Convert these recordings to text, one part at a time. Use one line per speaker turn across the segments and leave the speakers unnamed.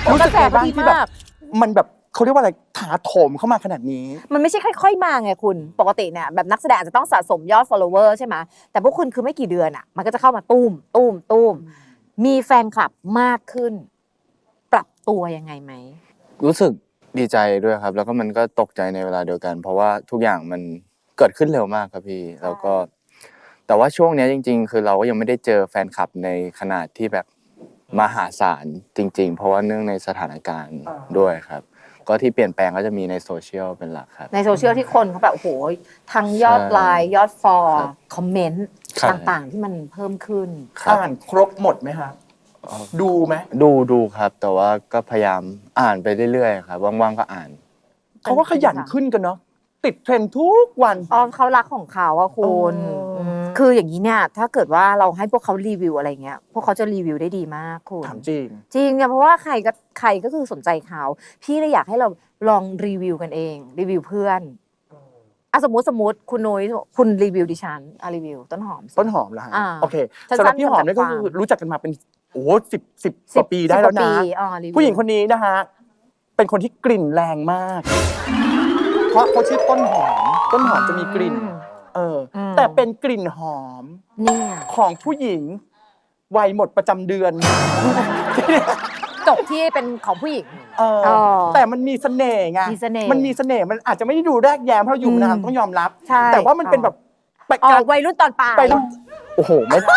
รู้สึกไงบ้างที่แบบมันแบบเขาเรียกว่าอะไรถาโถมเข้ามาขนาดนี้
มันไม่ใช่ค่อยๆมาไงคุณปกติเนี่ยแบบนักแสดงอาจจะต้องสะสมยอด follower ใช่ไหมแต่พวกคุณคือไม่กี่เดือนอ่ะมันก็จะเข้ามาตุ้มมีแฟนคลับมากขึ้นปรับตัวยังไงไหม
รู้สึกดีใจด้วยครับแล้วก็มันก็ตกใจในเวลาเดียวกันเพราะว่าทุกอย่างมันเกิดขึ้นเร็วมากครับพี่แล้วก็แต่ว่าช่วงนี้จริงๆคือเราก็ยังไม่ได้เจอแฟนคลับในขนาดที่แบบมหาศาลจริงๆเพราะว่าเนื่องในสถานการณ์ด้วยครับก็ที่เปลี่ยนแปลงก็จะมีในโซเชียลเป็นหลักครับ
ในโซเชียลที่คนเขาแบบโอ้โหทั้งยอดไลค์ยอดฟอลคอมเมนต์ต่างๆที่มันเพิ่มขึ้น
อ่านครบหมดไหมครับดูไหม
ดูครับแต่ว่าก็พยายามอ่านไปเรื่อยๆครับว่างๆก็อ่าน
เขาก็ขยันขึ้นกันเนาะติดเทรนด์ทุกวัน
เขารักของเขาอะคุณคืออย่างนี้เนี่ยถ้าเกิดว่าเราให้พวกเขารีวิวอะไรเงี้ยพวกเขาจะรีวิวได้ดีมากคุณ
ถามจริง
เนี่ยเพราะว่าใครก็คือสนใจเขาพี่เลยอยากให้เราลองรีวิวกันเองรีวิวเพื่อนสมมติคุณนุ้ยคุณรีวิวดิฉันรีวิวต้นหอม
เหรอฮะโอเคสำหรับพี่หอมเนี่ยก็คือรู้จักกันมาเป็นโอ้10กว่าปีได้แล้วนะผู้หญิงคนนี้นะฮะเป็นคนที่กลิ่นแรงมากเพราะเขาชื่อต้นหอมจะมีกลิ่นแต่เป็นกลิ่นหอมของผู้หญิงวัยหมดประจำเดือน
จบที่เป็นของผู้หญิง
แต่มันมีเสน่ห์ไงมันมีเสน่ห์มันอาจจะไม่ได้ดูแรกแย้มเพราะอยู่นานต้องยอมรับแต่ว่ามันเป็นแบบ
วัยรุ่นตอนปลาย
โอ้โหไม่ได้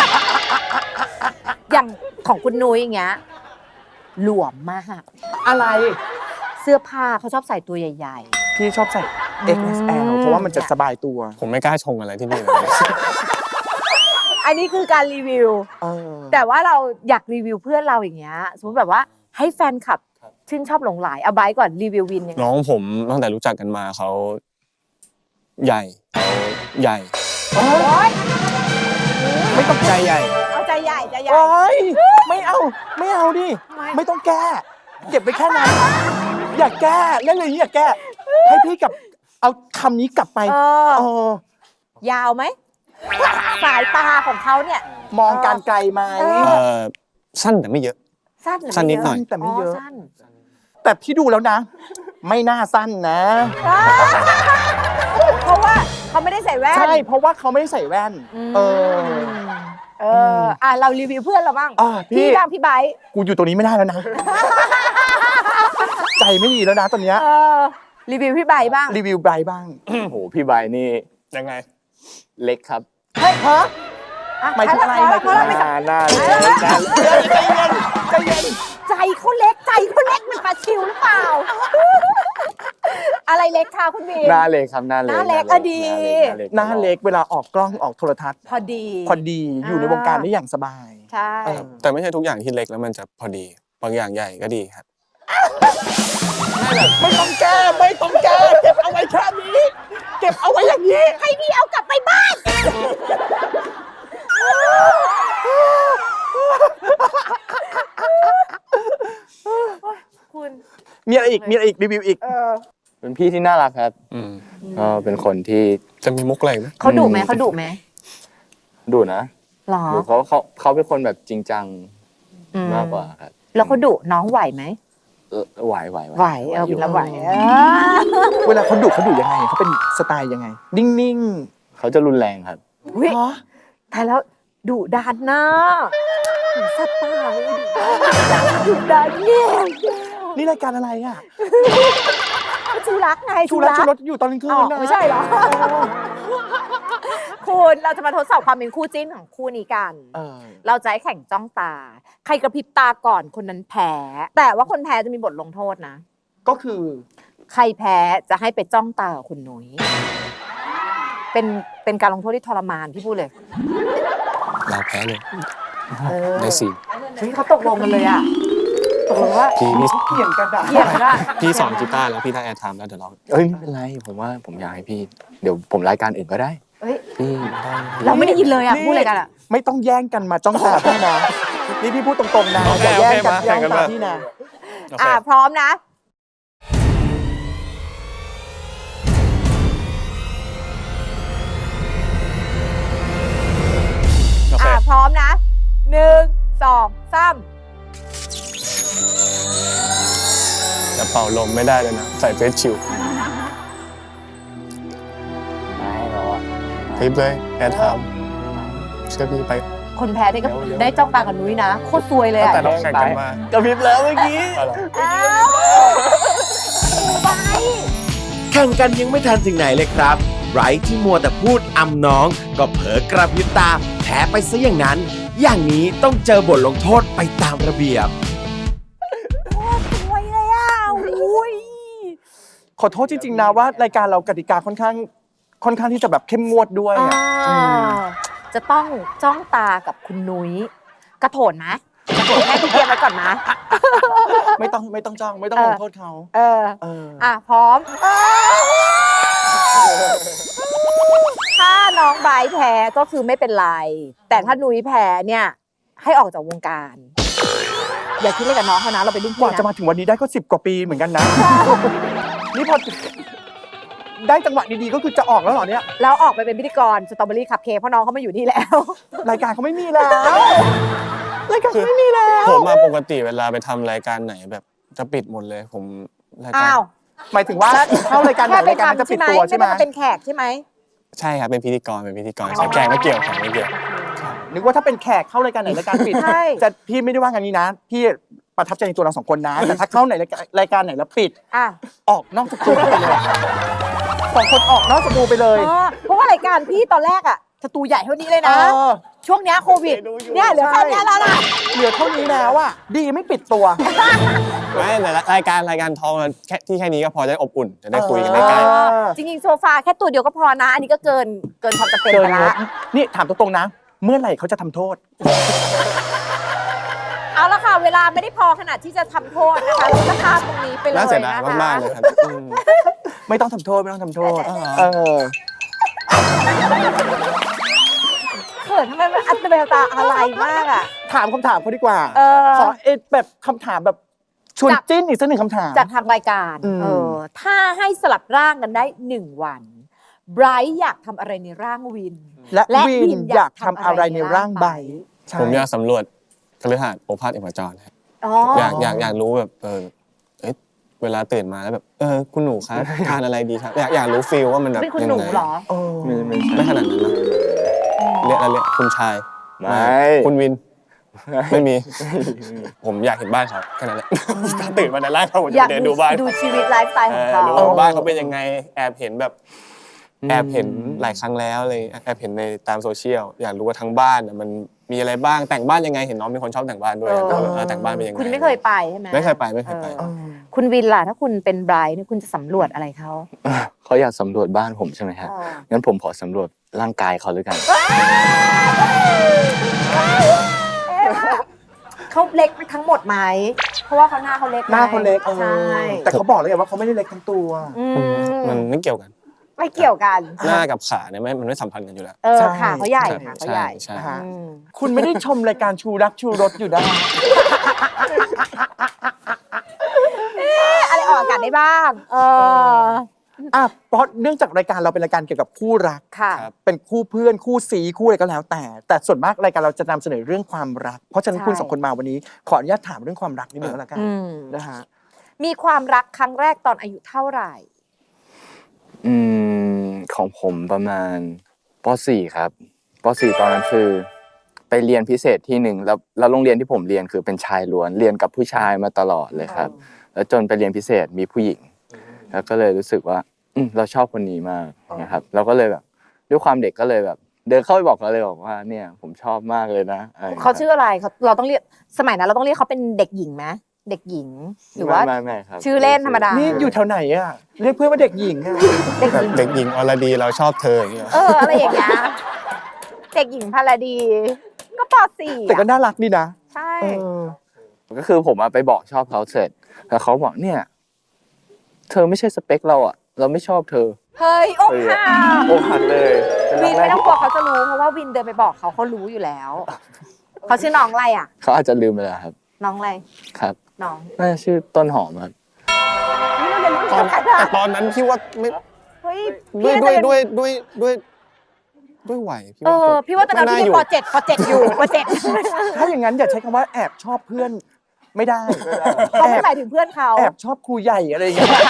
อย่างของคุณนุ้ยอย่างเงี้ยหลวมมาก
อะไร
เสื้อผ้าเขาชอบใส่ตัวใหญ่
ๆพี่ชอบใส่ XXL เพราะว่ามันจะสบายตัว
ผมไม่กล้าชงอะไรที่นี่เลย
อันนี้คือการรีวิวแต่ว่าเราอยากรีวิวเพื่อนเราอย่างเงี้ยสมมติแบบว่าให้แฟนคลับชื่นชอบหลงใหลเอาไบร์ทก่อนรีวิววินยังไง
น้องผมตั้งแต่รู้จักกันมาเขาใหญ่
ไม่ต้อง
ใจใหญ่
เอาใจใหญ่
ไม่เอาดิไม่ต้องแก้เก็บไปแค่นั้นอย่าแก้เล่นเลยอย่าแก้ให้พี่กับเอาคำนี้กลับไป
ยาวไหมสายตาของเขาเนี่ย
มองการไกลไหม
สั้นแต่ไม่เยอะสั้นนิดหน่อย
แต่ไม่เยอะแต่พี่ดูแล้วนะไม่น่าสั้นนะ
เพราะว่าเขาไม่ได้ใส่แว่น
ใช่เพราะว่าเขาไม่ได้ใส่แว่น
เรารีวิวเพื่อนเราบ้างพี่บ้างพี่ไบร์ท
กูอยู่ตรงนี้ไม่ได้แล้วนะใจไม่ดีแล้วนะตอนเนี้ย
รีวิวพี่ไบร์ทบ้าง
รีวิวไบร์ทบ้าง
โหพี่ไบร์ทนี่
ยังไง
เล็กครับ
เฮ้ยหมายถึงอะไรหมายถึง
หน้า
ใจเย็น
ใจเขาเล็กมันปลาชิวหรือเปล่าอะไรเล็กคะคุณบี
หน้าเล็กครับหน้าเล็ก
ดี
หน้าเล็กเวลาออกกล้องออกโทรทัศน์
พอดี
อยู่ในวงการได้อย่างสบาย
ใช่
แต่ไม่ใช่ทุกอย่างที่เล็กแล้วมันจะพอดีบางอย่างใหญ่ก็ดีครับ
ไม่ต้องแก้เก็บเอาไว้แค่นี้เก็บเอาไว้อย่างนี้
ให้พี่เอากลับไปบ้านคุณ
มีอะไรอีกรีวิวอีก
เป็นพี่ที่น่ารักครับก็เป็นคนที่
จะมีมุกอะไรไหม
เขาดุไหม
ดุนะ
หรอ
เขาเป็นคนแบบจริงจังมากกว่าครับ
แล้วเขาดุน้องไหวไหม
ไหว
แล้วไหว
เวลาเขาดุยังไงเขาเป็นสไตล์ยังไงนิ่ง
ๆเขาจะรุนแรงครับ
ตายแล้วดุดันนะสไตล์ดุดันเนี่ย
นี่รายการอะไรอ่ะ
ชูรักไง
ชูรสอยู่ตอนกลางคืนนะ
ไม่ใช่เหรอคุณเราจะมาทดสอบความเป็นคู่จิ้นของคู่นี้กันเราจะให้แข่งจ้องตาใครกระพริบตาก่อนคนนั้นแพ้แต่ว่าคนแพ้จะมีบทลงโทษนะ
ก็คือ
ใครแพ้จะให้ไปจ้องตากับคุณนุ้ยเป็นการลงโทษที่ทรมานพี่พูดเลย
เราแพ้เลยได้สิ
เขาตกลงกันเลยอ่ะตกลงว่า
พี่
เกี่ยงกัน
พี่สอนกีตาร์แล้วพี่ได้แอร์ไทม์แล้วเดี๋ยวเรา
ไม่เป็นไรผมอยากให้พี่เดี๋ยวผมรายการอื่นก็ได้พี่
เราไม่ได้ยินเลยอ่ะพูดอะไรกันอ่ะ
ไม่ต้องแย่งกันมาจ้องตาพี่นะนี่พี่พูดตรงๆนะอย่าแย่งกันจ้องตาพี่นะ
พร้อมนะพร้อมนะ1 2 3
เป่าลมไม่ได้เลยนะใส่เฟซชิล
ไม่หรอก
คลิปเลยแอร์ไทม์เชื่อพี่ไป
คนแพ้ได้ก็ได้จ้องตากับนุ้ยนะโคตรซวยเลย
ตั้ง
อ่ะ
แต่เราแข่งกันมาก
ระพริบแล้วเมื่อกี้
เอาเหรอ
อ้าวไป
แข่งกันยังไม่ทันถึงไหนเลยครับไบรท์ที่มัวแต่พูดอำน้อง ก็เผลอกระพริบตาแพ้ไปซะอย่างนั้น อย่างนี้ต้องเจอบทลงโทษไปตามระเบียบ
โคตรซวยเลยอ่ะอุ้ย
ขอโทษจริงๆนะว่ารายการเรากติกาค่อนข้างที่จะแบบเข้มงวดด้วยอะ
จะต้องจ้องตากับคุณนุ้ยกระโถนนะกระโถนแค่ที่เตรียมไว้ก่อนนะ
ไม่ต้องจ้องไม่ต้องลงโทษเขา
เออ
เออ
อ่ะพร้อม ถ้าน้องไบรท์แพ้ก็คือไม่เป็นไร แต่ถ้านุ้ยแพ้เนี่ย ให้ออกจากวงการ อย่าคิดเลยกับน้องเขานะเราเป็นรุ่น
ก
พี่
ว่าจะ
นะ
มาถึงวันนี้ได้ก็10 กว่าปีเหมือนกันนะ นี่พอได้จังหวะดีๆก็คือจะออกแล้วเหรอเนี่ย
แล้วออกไปเป็นพิธีกรสตรอเบอรี่คัพเค้กเพราะน้องเขามาอยู่นี่แล้ว
รายการเขาไม่มีแล้วรายการเขาไม่มีแล้ว
ผมมาปกติเวลาไปทำรายการไหนแบบจะปิดหมดเลยผมรายการ
อ้าว
หมายถึงว่าเข้ารายการไหน
แค่ไป
รายการนั้นจะ
ทำ
ปิ
ใช่
ด
ไหม
ตัวใช่ไหม
ไม่ได้มาเป็นแขกใช่ไหม
ใช่ครับเป็นพิธีกรใช่แข่งไม่เกี่ยว
นึกว่าถ้าเป็นแขกเข้ารายการไหนรายการปิด
ใช่
จะพี่ไม่ได้ว่างันนี้นะ พี่ประทับใจในตัวเราสองคนนะ แต่ถ้าเข้าไหนรายการไหนแล้วปิด
อ่ะ
ออกนอกสตูไปเลยสองคนออกนอกสตูไปเลย
เพราะว่ารายการพี่ตอนแรกอ่ะสตูใหญ่เท่านี้เลยนะ
เออ
ช่วงเนี้ยโควิด เนี่ยเหลือแค่เนี้ยแล้วนะ
เหลือเท่านี้แล้วอ่ะดีไม่ปิดตัว
ไม่แต่รายการทองแค่ที่แค่นี้ก็พอจะได้อบอุ่นจะได้คุยกันได้ใกล้
จริงๆโซฟาแค่ตัวเดียวก็พอนะ อันนี้ก็เกินความจำเป็น
เกิ
ไป
นง
ละ
บนี่ถามตรงๆนะ เมื่อไหร่เขาจะทำโทษ
เอาละค่ะ เวลาไม่ได้พอขนาดที่จะทำโทษนะคะเราจะข้ามตรงนี้ไปเลย
น่าเสียดาย
นะคะ
มากๆเลยครับ
ไม่ต้องทำโทษไม่ต้องทำโทษเออ
เขินทำไมมันอัตเบลตาอะไรมากอ่ะ
ถามคำถามเขาดีกว่า
เออ
ขอแบบคำถามแบบชวนจิ้นอีกสักหนึ่งคำถาม
จากทางรายการ
อืม
ถ้าให้สลับร่างกันได้1 วันไบรท์อยากทำอะไรในร่างวิน
และ
และ
วิ
วิ
น
น
อยากทำอะไรในร่างใบใช่
ผมอยากสำรวจคฤหาสน์โอภาสเอกจรครับ
อ๋อ
อยากรู้แบบเวลาตื่นมาแล้วแบบคุณหนูครับทานอะไรดีครับอยากรู้ฟีลว่ามันแบบ
เป็นคุณหนูเหรอ
เออ
ไม่ขนาดนั้นนะเรียกอะไรคุณชาย
ไม่
คุณวิน ไม่มี ผมอยากเห็นบ้านเขาแค่นั้นแหละถ้าตื่นมาในร่างเขาผม
อยา
จะ
ก
เดินดูบ้าน
ดูชีวิตไลฟ์สไตล์ของเขา
รู้ว่าบ้านเขาเป็นยังไงแอบเห็นแบบแอบเห็นหลายครั้งแล้วเลยแอบเห็นในตามโซเชียลอยากรู้ว่าทั้งบ้านมันมีอะไรบ้างแต่งบ้านยังไงเห็นน้องเป็นคนชอบแต่งบ้านด้วยแต่งบ้านเป็นยังไง
คุณไม่เคยไปใช่ไหม
ไม่เคยไป
เออคุณวินล่ะถ้าคุณเป็นไบรท์เนี่ยคุณจะสำรวจอะไรเขา
เขาอยากสำรวจบ้านผมใช่ไหมครับงั้นผมขอสำรวจร่างกายเขาด้วยกัน
เขาเล็กทั้งหมดไหมเพราะว่าเขาหน้าเขาเล็ก
หน้าเขาเล็ก
ใช่
แต่เขาบอกเลยว่าเขาไม่ได้เล็กทั้งตัว
อืม
มันไม่เกี่ยวกัน
ไม่เกี่ยวกัน
หน้ากับขาเนี่ยมันไม่สัมพันธ์กันอยู่แล้ว
ใช่
ขาเขาใหญ่ขาเขาใหญ่
ใช่
นะฮะ
อืม
คุณไม่ได้ชมรายการชูรักชูรสอยู่นะ
อะไรออกอากาศได้บ้าง
เพราะเนื่องจากรายการเราเป็นรายการเกี่ยวกับคู่รัก
ค่ะ
ครับ
เป็นคู่เพื่อนคู่ซีคู่อะไรก็แล้วแต่ส่วนมากรายการเราจะนำเสนอเรื่องความรัก เพราะฉะนั้น
ใช่
คุณสองคนมาวันนี้ ขออนุญาตถามเรื่องความรักนิดนึงแล้วกัน
อืม
นะฮะ
มีความรักครั้งแรกตอนอายุเท่าไหร่
ของผมประมาณป .4 ครับป .4 ตอนนั้นคือไปเรียนพิเศษที่หนึ่งแล้วโรงเรียนที่ผมเรียนคือเป็นชายล้วนเรียนกับผู้ชายมาตลอดเลยครับ แล้วจนไปเรียนพิเศษมีผู้หญิง แล้วก็เลยรู้สึกว่าเราชอบคนนี้มากนะครับเราก็เลยแบบด้วยความเด็กก็เลยแบบ เดินเข้าไปบอกเขาเลยบอกว่าเนี่ยผมชอบมากเลยนะะไรย่งงี้ย
เขาชื่ออะไรเราต้องเรียกสมัยนั้นเราต้องเรียกเขาเป็นเด็กหญิงไหมเด็กหญิงหรือว่า
ไม่ครับ
ชื่อเล่นธรรมดา
นี่อยู่แถวไหนอ่ะเรียกเพื่อนว่าเด็กหญิงอ่ะ
เด็ก
แบ
ห
บ
ญิง
เด็กหญิงอรดีเราชอบเธออย่างเงี้ย
อะไรอย่างเงี้ยเด็กหญิงพาราดี ก็ป .4
แต่ก็น่ารักดีนะ
ใช่
เออ
ก็คือผมไปบอกชอบเขาเสร็จแล้วเขาบอกเนี่ยเธอไม่ใช่สเปคเราอ่ะเราไม่ชอบเธอ
เฮ้ยอกหัก
โอ้หักเลยเป็น
วิน
แร
ไม่
ก
ต้องกลัวเขาจะรู้เพราะว่าวินเดินไปบอกเขารู้อยู่แล้ว เขาชื่อน้องอะไรอ่ะ
เขาอาจจะลืมไปแล้วครับ
น้องอะไร
ครับ
น้อง
น่าจะชื่อต้นหอมครับ
นี่เราเรียนรุ่น
ตอ
เดี
น
ยวกัน
แต่
อะ
ตอนนั้นพี่ว่าไม่
เฮ้ย
ด้วย
พี่น่าจะเป็น
ด้วยวัยพี่ว่า
พี่ว่าตอนนั้นพี่
อยู่
ป .7 อยู่ป .7
ถ้าอย่างนั้นอย่าใช้คำว่าแอบชอบเพื่อนไม่ได้
เขาไม่หมายถึงเพื่อนเขา
แอบชอบครูใหญ่อะไรอย่างเงี้ย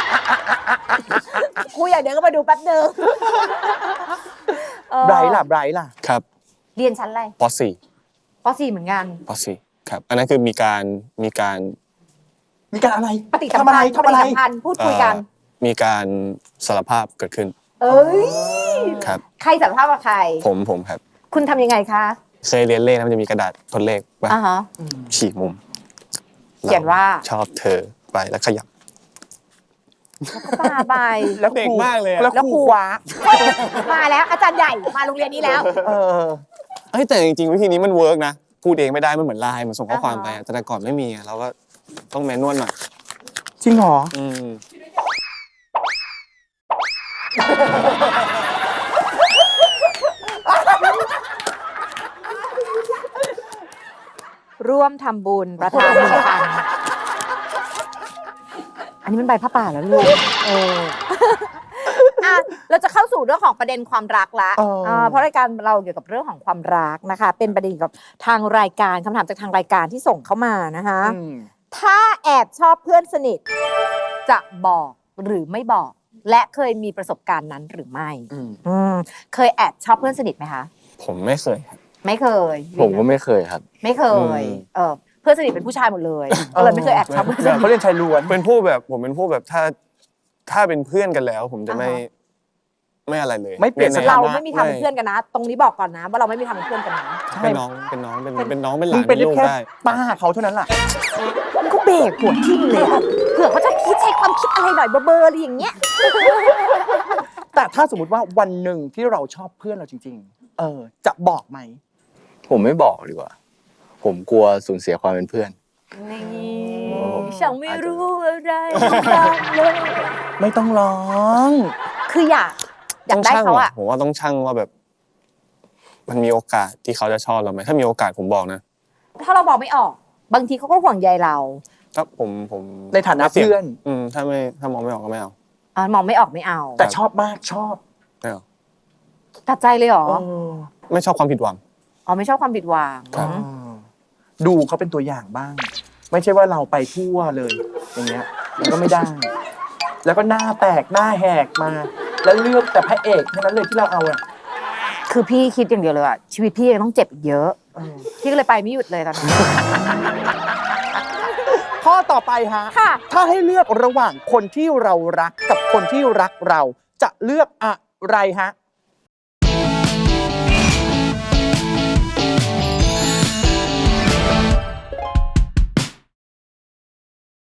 ครูอย่างเดียวก็มาดูแป๊บนึง
ไบรท์ล่ะไบรท์ล่ะ
ครับ
เรียนชั้นอะไร
ป
ป .4 เหมือนกัน
.4 ป .4 ครับ อันนั้นคือมีการ
มีการอะไร
ปฏิสัม
ทำอะไร
พันธ์
ทำอะไร
ปฏิสัมพันธ์พูดคุยกัน
มีการสารภาพเกิดขึ้น
เอ้ย
ครับ
ใครสารภาพกับใคร
ผมครับ
คุณทำยังไงคะ
เคยเรียนเลขนะมันจะมีกระดาษทดเลขป่ะ
อ่าฮะ
ฉีกมุม
เขียนว่า
ชอบเธอไปแล้วขยับ
ป้าไป
แล้ว
เด็กมากเลยอะ
แล้วครูคว้า
มาแล้วอาจารย์ใหญ่มาโรงเรียนนี้แล้ว
เออ
เอ้ยแต่จริงๆวิธีนี้มันเวิร์กนะ พูดเองไม่ได้มันเหมือนไลน์มันส่งข้อความไปอะแต่ก่อนไม่มีอะเราก็ต้องแมนนวลหน่อย
จริงเหรอ
ร่วมทำบุญประทาน1,000อันนี้มันใบผ้าป่าแล้วลูกอ่ะเราจะเข้าสู่เรื่องของประเด็นความรักละ เพราะรายการเราเกี่ยวกับเรื่องของความรักนะคะ เป็นประเด็นเกี่ยวกับทางรายการคำถามจากทางรายการที่ส่งเข้ามานะคะ ถ้าแอบชอบเพื่อนสนิทจะบอกหรือไม่บอก และเคยมีประสบการณ์นั้นหรือไม่เคยแอบชอบเพื่อนสนิทไหมคะ
ผมไม่เคยครับ
ไม่เคย
ผมก็ไม่เคยครับ
ไม่เคยเพื่อนสนิทเป็นผู้ชายหมดเลยก็เลยไม่เคยแอบชอบเพื่อนสนิท
เขาเรียนชายล้วน
เป็นพวกแบบผมเป็นพวกแบบถ้าเป็นเพื่อนกันแล้ว ผมจะไม่อะไรเลย
ไม่เปลี่ยนสถานะ
เราไม่มีทำเป็นเพื่อนกันนะ ตรงนี้บอกก่อนนะว่าเราไม่มีทำเป็นเพื่อนกันนะ
เป็นน้องเป็นหลาน
มึง
เป็น
เป็น
ลูก
แค่
ได้
ป้าเขาเท่านั้นแหละ
มันก็เบรกหัวทิ่มเลยอะเผื่อเขาจะคิดใช้ความคิดอะไรหน่อยเบอร์ๆอะไรอย่างเงี้ย
แต่ถ้าสมมติว่าวันหนึ่งที่เราชอบเพื่อนเราจริง ๆ จะบอกไหม
ผมไม่บอกดีกว่า ผมกลัวสูญเสียความเป็นเพื่อน
ฉันไม่รู้อะไรบ้างเลย
ไม่ต้องร้อง
คืออยากได้เขาอะ
ผมว่าต้องชั่งว่าแบบ มันมีโอกาสที่เขาจะชอบเราไหมถ้ามีโอกาสผมบอกนะ
ถ้าเราบอกไม่ออก บางทีเขาก็ห่วงใยเรา
ถ้าผม
ในฐานะเพื่อน
ถ้ามองไม่ออกก็ไม่เอา
มองไม่ออกไม่เอา
แต่ชอบมากชอบ
ไม่เอา
ตัดใจเลยเหรอ
ไม่ชอบความผิดหวัง
ไม่ชอบความผิดหวัง
ครับ
ดูเขาเป็นตัวอย่างบ้าง ไม่ใช่ว่าเราไปทั่วเลย อย่างเงี้ยมันก็ไม่ได้ แล้วก็หน้าแตกหน้าแหกมา แล้วเลือกแต่พระเอกเท่านั้นเลยที่เราเอาอะ
คือพี่คิดอย่างเดียวเลยอะชีวิตพี่ยังต้องเจ็บอีกเยอะพี่ก็เลยไปไม่หยุดเลยตอนนี้
ข้อต่อไปฮะ
ค่ะ
ถ้าให้เลือกระหว่างคนที่เรารักกับคนที่รักเราจะเลือกอะไรฮะ